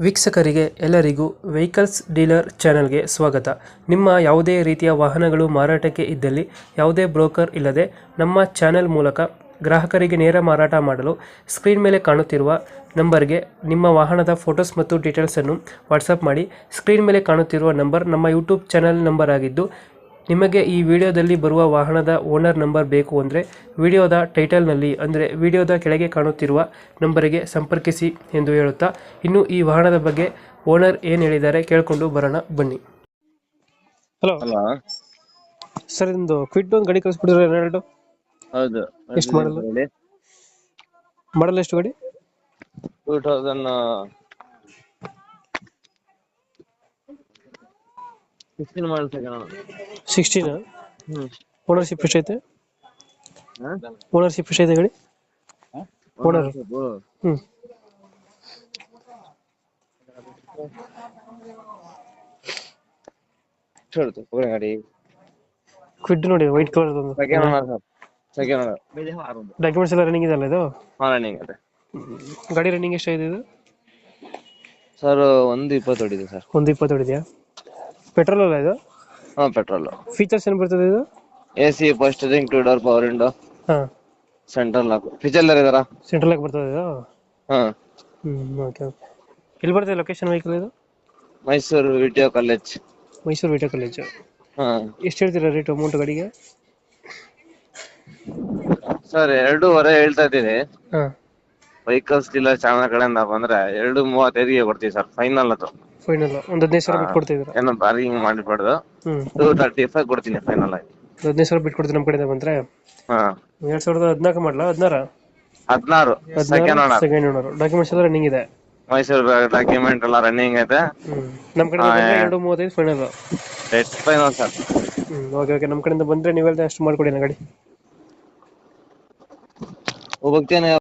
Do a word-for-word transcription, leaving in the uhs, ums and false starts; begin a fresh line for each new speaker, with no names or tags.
ವೀಕ್ಷಕರಿಗೆ ಎಲ್ಲರಿಗೂ vehicles dealer ಚಾನೆಲ್ಗೆ ಸ್ವಾಗತ. ನಿಮ್ಮ ಯಾವುದೇ ರೀತಿಯ ವಾಹನಗಳು ಮಾರಾಟಕ್ಕೆ ಇದ್ದಲ್ಲಿ ಯಾವುದೇ ಬ್ರೋಕರ್ ಇಲ್ಲದೆ ನಮ್ಮ ಚಾನೆಲ್ ಮೂಲಕ ಗ್ರಾಹಕರಿಗೆ ನೇರ ಮಾರಾಟ ಮಾಡಲು ಸ್ಕ್ರೀನ್ ಮೇಲೆ ಕಾಣುತ್ತಿರುವ ನಂಬರ್ಗೆ ನಿಮ್ಮ ವಾಹನದ ಫೋಟೋಸ್ ಮತ್ತು ಡೀಟೇಲ್ಸನ್ನು ವಾಟ್ಸಪ್ ಮಾಡಿ. ಸ್ಕ್ರೀನ್ ಮೇಲೆ ಕಾಣುತ್ತಿರುವ ನಂಬರ್ ನಮ್ಮ ಯೂಟ್ಯೂಬ್ ಚಾನೆಲ್ ನಂಬರ್ ಆಗಿದ್ದು, ನಿಮಗೆ ಈ ವಿಡಿಯೋದಲ್ಲಿ ಬರುವ ವಾಹನದ ಓನರ್ ನಂಬರ್ ಬೇಕು ಅಂದರೆ ವಿಡಿಯೋದ ಟೈಟಲ್ನಲ್ಲಿ ಅಂದರೆ ವಿಡಿಯೋದ ಕೆಳಗೆ ಕಾಣುತ್ತಿರುವ ನಂಬರಿಗೆ ಸಂಪರ್ಕಿಸಿ ಎಂದು ಹೇಳುತ್ತಾ, ಇನ್ನು ಈ ವಾಹನದ ಬಗ್ಗೆ ಓನರ್ ಏನು ಹೇಳಿದ್ದಾರೆ ಕೇಳಿಕೊಂಡು ಬರೋಣ ಬನ್ನಿ. Hello
hello.
ಸರ್, ಇದೊಂದು ಕ್ವಿಡ್ ಒಂದು ಗಾಡಿ ಕಳಿಸ್ಬಿಡಿದ್ರೆ ಎರಡು
ಹೌದು.
ಎಷ್ಟು ಮಾಡಲ್ಲ ಮಾಡಲ್ಲ ಎಷ್ಟು ಗಾಡಿ?
Two thousand sixteen model
sixteen
hmm
ownership ಎಷ್ಟೈತೆ? ಓನರ್ಶಿಪ್ ಎಷ್ಟೈತೆ ಗಾಡಿ? ಓನರ್ ಹ್ಞೂ
ಗಾಡಿ
ಕ್ವಿಡ್ ನೋಡಿ, white colour
second owner sir. Second owner.
Documents ಎಲ್ಲ ರನ್ನಿಂಗ್ ಇದೆಲ್ಲ ಇದು?
ಹಾ, ರನ್ನಿಂಗ್ ಇದೆ.
ಗಾಡಿ ರನ್ನಿಂಗ್ ಎಷ್ಟಾಗಿದೆ ಇದು?
ಸರ್ ಒಂದು ಇಪ್ಪತ್ತು ಹೊಡಿದೆ ಸರ್.
ಒಂದು ಇಪ್ಪತ್ತು ಹೊಡಿದೆಯಾ? ಪೆಟ್ರೋಲ್ ಅಲ್ಲ ಇದು?
ಹಾ, ಪೆಟ್ರೋಲ್.
ಫೀಚರ್ಸ್ ಏನು ಬರ್ತದೆ ಇದು?
A C, first ring, two door power window,
ಹಾಂ,
ಸೆಂಟ್ರಲ್ ಲಾಕ್, ಫೀಚರ್ ಇದಾರ.
ಸೆಂಟ್ರಲ್ ಲಾಕ್ ಬರ್ತದೆ ಇದು?
ಹಾ.
ಹ್ಞೂ ಓಕೆ ಓಕೆ. ಎಲ್ಲಿ ಬರ್ತದೆ ಲೊಕೇಶನ್ ವೆಹಿಕಲ್ ಇದು?
ಮೈಸೂರು ವಿಟಿಯೋ ಕಾಲೇಜ್.
ಮೈಸೂರು ವಿಟಿಯೋ ಕಾಲೇಜು.
ಹಾ
ಎಷ್ಟು ಹೇಳ್ತೀರಾ ರೇಟ್ ಅಮೌಂಟ್ ಗಾಡಿಗೆ?
ಸರ್, ಎರಡೂವರೆ ಹೇಳ್ತಾ ಇದ್ದೀನಿ.
ಹಾಂ,
ವೆಹಿಕಲ್ಸ್ ಡೀಲರ್ ಚಾನಲ್ ಕಡೆಯಿಂದ ಬಂದ್ರೆ ಎರಡು ಮೂವತ್ತೈದಿಗೆ ಕೊಡ್ತೀವಿ ಸರ್, ಫೈನಲ್ ಅದು.
ಫೈನಲ್ ಒಂದು ಹದಿನೈದು ಸಾವಿರ ಬಿಟ್ಟು ಕೊಡ್ತಿದ್ದೀರಾ?
ಏನೋ ಬಾರ್ಗಿಂಗ್ ಮಾಡಿಬಿಡ್ದು.
ಹ್ಞೂ,
ಟೂ ತರ್ಟಿ ಫೈವ್ ಕೊಡ್ತೀನಿ ಫೈನಲ್ ಆಗಿ.
ಹದಿನೈದು ಸಾವಿರ ಬಿಟ್ಟು ಕೊಡ್ತೀವಿ ನಮ್ಮ ಕಡೆಯಿಂದ ಬಂದರೆ.
ಹಾ,
ಎರಡು ಸಾವಿರದ ಹದಿನಾಲ್ಕು ಮಾಡಲ ಹದಿನಾರ
ಹದಿನಾರು second owner.
Second owner. Documents ಎಲ್ಲ ರನ್ನಿಂಗ್ ಇದೆ?
ಮೈಸೂರು ಡಾಕ್ಯುಮೆಂಟ್ ಎಲ್ಲ ರನ್ನಿಂಗ್ ಐತೆ.
ಹ್ಞೂ, ನಮ್ಮ ಕಡೆಯಿಂದ ಬಂದರೆ ಎರಡು ಮೂವತ್ತೈದು ಫೈನಲ್.
Rate final sir.
ಹ್ಞೂ ಓಕೆ ಓಕೆ. ನಮ್ಮ ಕಡೆಯಿಂದ ಬಂದರೆ ನೀವೆಲ್ಲ ಅಷ್ಟು ಮಾಡಿಕೊಡಿ ಗಾಡಿ.
ಹೋಗ್ತೇನೆ.